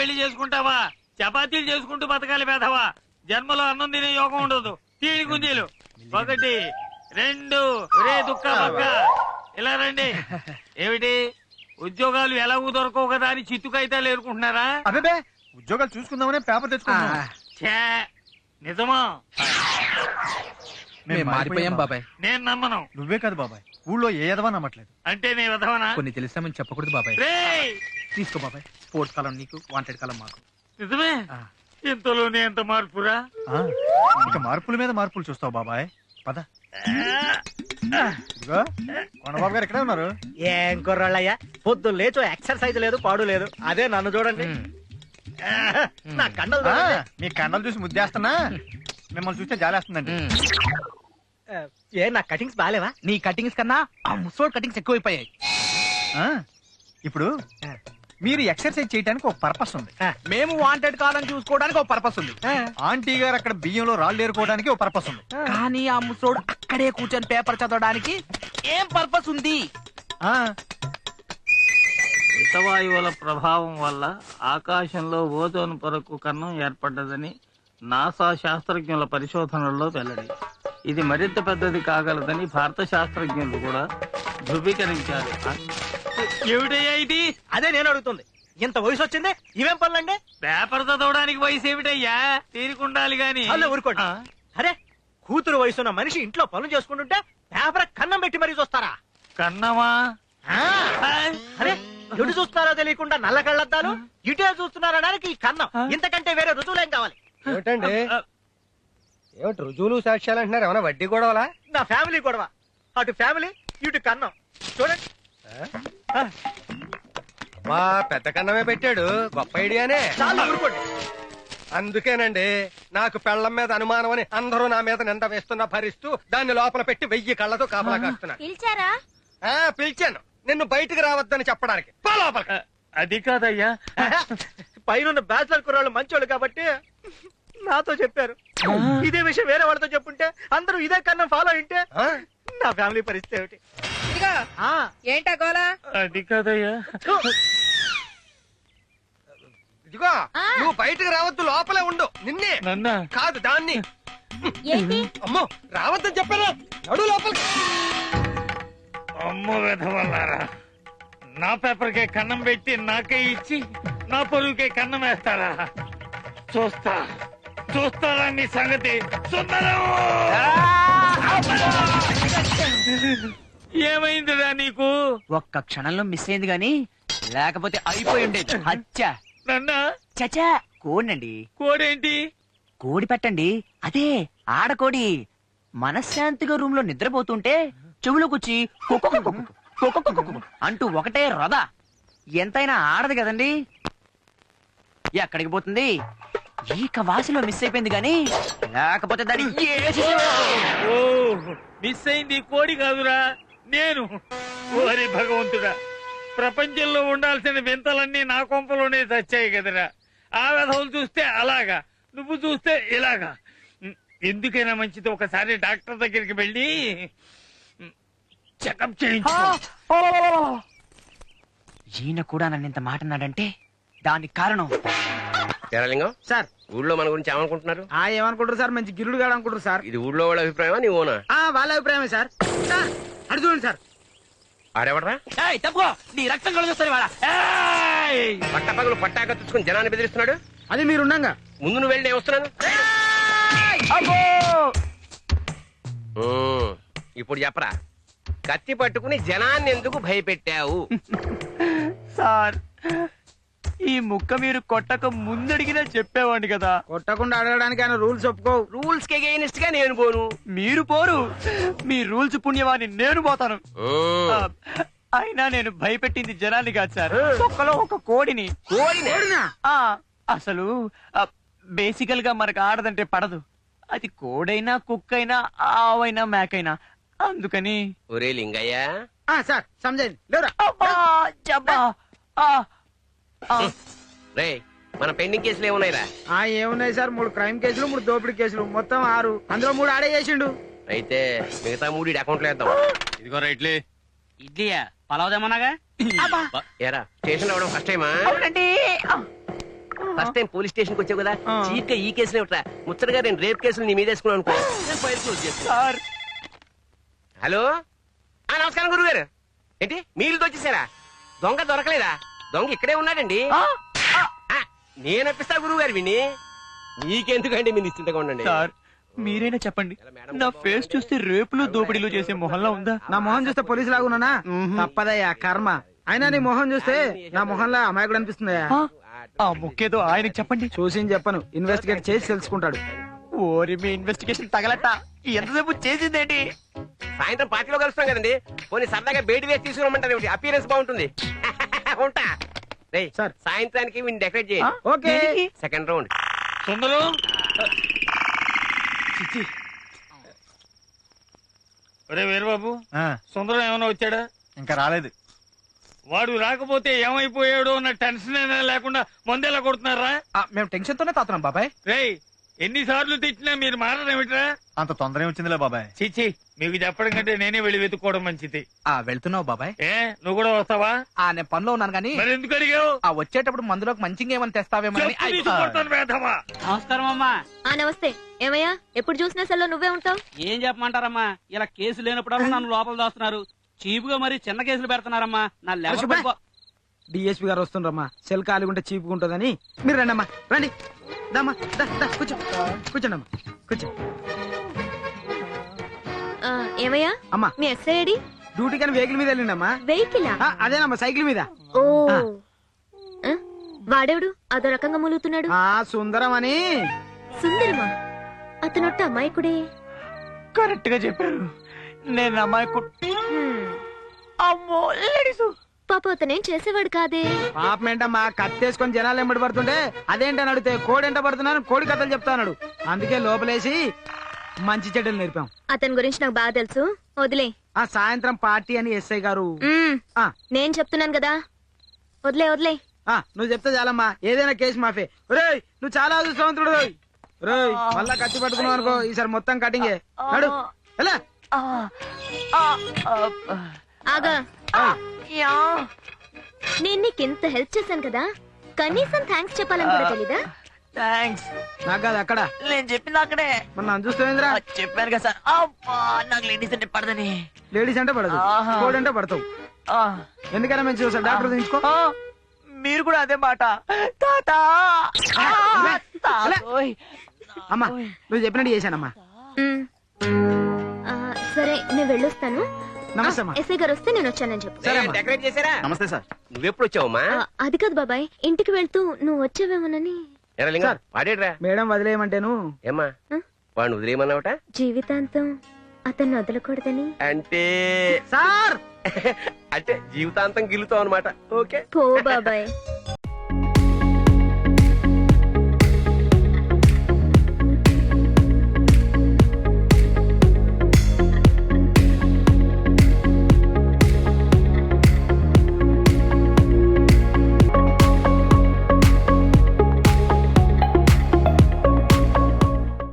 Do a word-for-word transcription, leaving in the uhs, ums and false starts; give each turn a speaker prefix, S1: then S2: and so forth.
S1: పెళ్లి చేసుకుంటావా? చపాతీలు చేసుకుంటూ బతకాలి పేదవా. జన్మలో అన్నం తినే యోగం ఉండదు. తీడి గుంజీలు ఒకటి రెండు రే దుక్క బక్క ఇలా రండి. ఏమిటి ఉద్యోగాలు ఎలాగూ దొరకవు కదా అని చిత్తుకైతాలు ఏరుకుంటున్నారా?
S2: అదే ఉద్యోగాలు చూసుకుందామనే పేపర్ తెచ్చుకున్నా.
S1: నిజమా?
S3: మేము మారిపోయాం బాబాయ్.
S1: నేను నమ్మను.
S2: నువ్వే కాదు బాబాయ్, ఊళ్ళో ఏ ఎదవా నమ్మట్లేదు.
S1: అంటే నీ విధవనా?
S3: కొన్ని తెలిసామని చెప్పకూడదు బాబాయ్. తీసుకో బాబాయ్. స్పోర్ట్స్ కాలం నీకు, వాంటెడ్ కాలం మాకు.
S1: నిజమే? ఇంతలోనే ఎంత మార్పురా?
S2: ఇక మార్పుల మీద మార్పులు చూస్తావు బాబాయ్. పద. కొండబాబు గారు ఎక్కడే ఉన్నారు?
S4: ఏం కుర్రాళ్ళయ్యా, పొద్దు లేచో ఎక్సర్సైజ్ లేదు పాడు లేదు. అదే నన్ను చూడండి, నా కండలు.
S2: మీ కండలు చూసి ముద్దేస్తున్నా, మిమ్మల్ని చూస్తే జాలేస్తుందండి.
S4: ఏ నా కటింగ్స్ బాలేవా?
S3: నీ కటింగ్స్ కన్నా ఆ ముసోడ్ కటింగ్స్ ఎక్కువైపోయాయి.
S2: ఇప్పుడు మీరు ఎక్సర్సైజ్ చేయడానికి ఒక పర్పస్ ఉంది,
S3: మేము వాంటెడ్ కాలం చూసుకోవడానికి ఒక పర్పస్ ఉంది,
S2: ఆంటీ గారు అక్కడ బియ్యంలో రాళ్ళు ఏరుకోవడానికి ఒక పర్పస్ ఉంది.
S3: కానీ ఆ ముసోడు అక్కడే కూర్చొని పేపర్ చదవడానికి ఏం పర్పస్ ఉంది?
S1: హితవాయువుల ప్రభావం వల్ల ఆకాశంలో ఓజోన్ పొరకు కన్నం ఏర్పడ్డదని నాసా శాస్త్రజ్ఞుల పరిశోధనల్లో వెల్లడి. ఇది మరింత పెద్దది కాగలదని భారత శాస్త్రజ్ఞులు కూడా ధృవీకరించారు. ఏమిటయ్యా ఇది?
S4: అదే నేను అడుగుతుంది. ఇంత వయసు వచ్చింది, ఇవేం పనులండి?
S1: పేపర్ చదవడానికి వయసు ఏమిటయ్యా? తీరుకుండాలి గాని.
S4: ఊరుకోండి. అరే, కూతురు వయసున్న మనిషి ఇంట్లో పనులు చేసుకుంటుంటే పేపర్ కన్నం పెట్టి మరీ చూస్తారా?
S1: కన్నమా?
S4: అరే, ఎటు చూస్తున్నారో తెలియకుండా నల్ల కళ్ళద్దాలు, ఇటే చూస్తున్నారనడానికి ఈ కన్నం. ఇంతకంటే వేరే రుజువులేం కావాలి?
S5: ఏమిటండి ఏమిటి రుజువులు సాక్ష్యాలు అంటున్నారు? ఏమన్నా వడ్డీ గొడవలా?
S4: నా ఫ్యామిలీ గొడవ. అటు ఫ్యామిలీ, ఇటు కన్నం. చూడండి.
S5: మా పెద్ద కన్నమే పెట్టాడు, గొప్ప ఐడియానే.
S4: చాలా ఊరుకోండి.
S5: అందుకేనండి నాకు పెళ్లం మీద అనుమానం అని అందరూ నా మీద నింద వేస్తున్నా భరిస్తూ దాన్ని లోపల పెట్టి వెయ్యి కళ్ళతో కాపలా కాస్తున్నా.
S6: పిలిచారా?
S5: పిలిచాను, నిన్ను బయటికి రావద్దని చెప్పడానికి.
S1: అది కాదయ్యా,
S4: పైన బ్యాచిలర్ కుర్రాళ్ళు మంచోళ్ళు కాబట్టి నాతో చెప్పారు. ఇదే విషయం వేరే వాళ్ళతో చెప్పుంటే అందరూ ఇదే కన్నా ఫాలో అయింటే నా ఫ్యామిలీ పరిస్థితి ఏమిటి?
S6: ఏంటా గోలా?
S1: అది కాదయ్యా.
S5: ఇదిగో నువ్వు బయటికి రావద్దు, లోపలే ఉండు. నిన్నే
S1: నన్నా
S5: కాదు దాన్ని. అమ్మో రావద్దని చెప్పారా? నడు లోపలికి.
S1: అమ్మో వెధవల్లారా, నా పేపర్కే కన్నం పెట్టి నాకే ఇచ్చి నా పొరుగుకే కన్నం వేస్తారా? చూస్తా చూస్తారా నీ సంగతి. ఏమైందిరా నీకు?
S3: ఒక్క క్షణంలో మిస్ అయింది గాని లేకపోతే అయిపోయి ఉండేది. అచ్చా
S1: నన్నా
S3: చచా కోడండి.
S1: కోడేంటి?
S3: కోడి పెట్టండి, అదే ఆడకోడి. మనశ్శాంతిగా రూమ్ లో నిద్రపోతుంటే చెవులోకొచ్చి అంటూ ఒకటే రొద. ఎంతైనా ఆడదు కదండి. ఎక్కడికి పోతుంది? ఈక వాసిలో మిస్ అయిపోయింది గాని లేకపోతే దాని
S1: మిస్ అయింది కోడి కాదురా, నేను. ఓరి భగవంతుడా, ప్రపంచంలో ఉండాల్సిన వింతలన్నీ నా కొంపలోనే చచ్చాయి కదరా. ఆ వెధవులు చూస్తే అలాగా, నువ్వు చూస్తే ఇలాగా. ఎందుకైనా మంచిది ఒకసారి డాక్టర్ దగ్గరికి వెళ్ళి చెకప్ చేయించు.
S3: ఈయన కూడా నన్ను ఇంత మాట అన్నాడంటే దానికి కారణం
S5: తెరలింగం సార్. ఊళ్ళో మన గురించి ఏమనుకుంటున్నారు?
S4: ఆ ఏమనుకుంటారు సార్, మంచి గిల్లుడు గాడు అనుకుంటారు సార్.
S5: ఇది ఊళ్ళో వాళ్ళ అభిప్రాయమా నీ ఓనా?
S4: వాళ్ళ అభిప్రాయమే సార్. అడు చూడండి సార్.
S5: ఆడెవడరా?
S3: తప్పుకో, నీ రక్తం కలుగుతుంది.
S5: పట్టపగలు పట్టాక తెచ్చుకుని జనాన్ని బెదిరిస్తున్నాడు.
S4: అది మీరుండగా
S5: ముందు నువ్వు వెళ్ళి నేను వస్తున్నాను. ఇప్పుడు చెప్పరా, కత్తి పట్టుకుని జనాన్ని ఎందుకు భయపెట్టావు?
S3: సార్, ఈ ముక్క మీరు కొట్టక ముందడిగినా చెప్పేవాడిని కదా.
S4: కొట్టకుండా అడగడానికి ఆయన రూల్స్ ఒప్పుకో.
S5: రూల్స్ కి అగైనెస్ట్ గా నేను పోను.
S3: మీరు పోరు, మీ రూల్స్ పుణ్యవాన్ని నేను పోతాను. అయినా నేను భయపెట్టింది జనాన్ని కాదు సార్, ఒక్కలో ఒక కోడిని.
S5: కోడినా?
S3: అసలు బేసికల్ గా మనకు ఆడదంటే పడదు. అది కోడైనా కుక్కైనా ఆవైనా మేకైనా. అందుకని
S5: ఒరే లింగయ్య
S4: సార్ సమజండి లేరా.
S5: రే, మన పెండింగ్ కేసులు ఏమున్నాయిరా?
S4: ఏమున్నాయి సార్, మూడు క్రైమ్ కేసులు, మూడు దోపిడీ కేసులు, మొత్తం ఆరు. అందులో మూడు ఆడే చేసిండు.
S5: అయితే మిగతా మూడు అకౌంట్ లో వేద్దాం.
S1: ఇదిగో రైట్లే.
S3: ఇడ్లీయా పలావదేమన్నాగా?
S5: ఏరా స్టేషన్ లో ఫస్ట్ టైమా?
S3: అవునండి.
S7: ఫస్ట్ టైం పోలీస్ స్టేషన్ కి వచ్చావు కదా చీప్ గా ఈ కేసులో ఉంటా ముచ్చటగా నేను రేప్ కేసులు నీ మీద వేసుకున్నాను అనుకో నేను ఫైల్ క్లోజ్ చేస్తాను.
S3: సార్
S7: హలో ఆ నమస్కారం గురువు గారు. ఏంటి మీరుతో వచ్చేసారా? దొంగ దొరకలేదా? దొంగ ఇక్కడే ఉన్నాడండి.
S3: ఆ,
S7: ఆ, నేను అప్పిస్తా గురువు గారు విని మీకెందుకండి మీరు నిశ్చింతగా ఉండండి.
S3: సార్ మీరైనా చెప్పండి, నా ఫేస్ చూస్తే రేపులు దోపిడీలు చేసే మొహంలా ఉందా?
S4: నా మొహం చూస్తే పోలీసు లాగున్నానా? తప్పదయ్యా కర్మ. అయినా నీ మొహం చూస్తే నా మొహంలో అమాయకుడు అనిపిస్తుందయ్యా.
S3: ఆ, ఆ ముక్కేదో ఆయనకి చెప్పండి.
S4: చూసి చెప్పను, ఇన్వెస్టిగేట్ చేసి తెలుసుకుంటాడు.
S3: ఓరి మీ ఇన్వెస్టిగేషన్ తగలట. ఎంతసేపు చేసిందేంటి?
S7: సాయంత్రం పార్టీలో కలుస్తాం కదండి. పోనీ సరదాగా బయట వేసి తీసుకురమ్మంటారు ఏమిటి? అపియరెన్స్ బాగుంటుంది. ఉంటా రేయ్,
S4: సార్.
S7: సాయంత్రానికి వీడిని డెకరేట్ చేయి.
S3: ఆ,
S4: ఓకే.
S3: దేనికి?
S7: Second round.
S1: సుందరం ఒరే వీరబాబు,
S2: ఆ,
S1: సుందరం ఏమైనా వచ్చాడా?
S2: ఇంకా రాలేదు.
S1: వాడు రాకపోతే ఏమైపోయాడో అన్న టెన్షన్ అయినా లేకుండా మందేలా కొడుతున్నారా?
S4: మేము టెన్షన్ తోనే తాతున్నాం బాబాయ్.
S1: రేయ్, ఎన్నిసార్లు తెచ్చినా మీరు మారడేమిట్రా?
S2: అంత తొందర వచ్చిందిలే బాబాయ్.
S1: చిచ్చి, మీకు చెప్పడం కంటే నేనే వెళ్ళి వెతుక్కోవడం మంచిది.
S4: ఆ వెళ్తున్నావు బాబాయ్?
S1: ఏ, నువ్వు కూడా వస్తావా?
S4: ఆ నేను పనిలో ఉన్నాను కానీ
S1: మరి ఎందుకు అడిగావు?
S4: ఆ వచ్చేటప్పుడు మందులోకి మంచిగా ఏమైనా తెస్తావేమో అని.
S1: చెప్పు తీసుకొడతాను వేధవా.
S8: నమస్కారం అమ్మా.
S9: ఆ నమస్తే. ఏమయ్యా, ఎప్పుడు చూసినా సెల్లో నువ్వే ఉంటావు?
S8: ఏం చెప్పమంటారమ్మా, ఇలా కేసు లేనప్పుడల్లా నన్ను లోపల దాస్తున్నారు. చీపుగా మరి చిన్న కేసులు పెడుతున్నారమ్మా. నా లెవెల్
S4: అరే శుభ్రా. డిఎస్పీ గారు వస్తుండ్రమ్మా, సెల్ ఖాళీ ఉంటే చీపుగా ఉంటుందని. మీరు రండి అమ్మా, రండి. దమ్మా, దా, దా, కూర్చో కూర్చోండి అమ్మా, కూర్చో.
S9: ఆ, ఏమయ్యా,
S4: అమ్మా
S9: మీ ఎస్ఐ ఐడి?
S4: డ్యూటీ కానీ వెహికల్ మీద వెళ్ళిండమ్మా.
S9: వెహికలా?
S4: ఆ, అదేనమ్మా సైకిల్ మీద.
S9: ఓ
S4: ఆ.
S9: ఆ, వాడెవడు అదో రకంగా మూలుగుతున్నాడు?
S4: ఆ సుందరం అని.
S9: సుందరమా? అతనొట్ట అమాయకుడే.
S3: కరెక్ట్ గా చెప్పారు. నేను అమ్మాయి
S9: హ్మ్.
S3: అమ్మో లేడీసు.
S9: పాప అతనేం చేసేవాడు కాదే.
S4: పాపం ఏంటమ్మా, కత్తేసుకొని జనాలు ఎంబడి పడుతుంటే అదేంటని అడిగితే కోడి ఎంట పడుతున్నాను కోడి కథలు చెప్తాన్నాడు. అందుకే లోపలేసి మంచి చెడ్డలు నేర్పాం.
S9: అతని గురించి నాకు బాగా తెలుసు, వదిలే.
S4: ఆ సాయంత్రం పార్టీ అని ఎస్ఐ గారు.
S9: మ్మ్.
S4: ఆ
S9: నేను చెప్తున్నాను కదా, వదిలే వదిలే.
S4: ఆ నువ్వు చెప్తే చాలమ్మా, ఏదైనా కేసు మాఫే. రేయ్, నువ్వు చాలా అదృష్టవంతుడు. రేయ్, మళ్ళా కత్తి పట్టుకున్నావు అనుకో, ఈసారి మొత్తం కటింగే. నడు ఎలా.
S3: ఆ, ఆ, ఆ,
S9: ఆగా,
S3: ఆ, యా.
S9: నేను నీకు ఇంత హెల్ప్ చేశాను కదా, కనీసం థ్యాంక్స్ చెప్పాలని కూడా తెలీదా?
S3: థాంక్స్.
S4: నాకు కాదు అక్కడ.
S3: నేను చెప్పింది అక్కడే.
S4: మరి నన్ను చూస్తావేంద్రా?
S3: ఆ, చెప్పాను కదా సార్. అబ్బా, నాకు లేడీస్ అంటే పడదని.
S4: లేడీస్ అంటే పడదు,
S3: ఆహా.
S4: కోడి అంటే పడతావు.
S3: ఆ,
S4: ఎందుకైనా మంచి చూసాను, డాక్టర్ తీసుకో.
S3: ఆ, మీరు కూడా అదే మాట. తాత. ఆ,
S4: లే,
S3: తాతోయ్.
S4: అమ్మా నువ్వు చెప్పినట్టు చేశానమ్మా.
S9: మ్మ్. ఆ, సరే నేను వెళ్ళొస్తాను.
S4: నమస్తే అమ్మా.
S9: ఎస్ఐ గారు వస్తే నేను వచ్చానని చెప్పు.
S4: సరే అమ్మా.
S7: డెకరేట్ చేశారా?
S2: నమస్తే సార్.
S7: నువ్వెప్పుడు వచ్చావమ్మా?
S9: ఆ, అది కాదు బాబాయ్, ఇంటికి వెళ్తూ నువ్వు వచ్చావేమోనని.
S7: ఎరా లింగం,
S4: సార్.
S7: వాడేడ్రా?
S4: మేడం వదిలేయమంటేను.
S7: ఏమ్మా
S9: ఆ?
S7: వాడిని వదిలేయమన్నావట?
S9: జీవితాంతం అతన్ని వదలకూడదని.
S7: అంటే
S4: సార్
S7: అంటే జీవితాంతం గిలుతావు అనమాట. ఓకే
S9: పో బాబాయ్.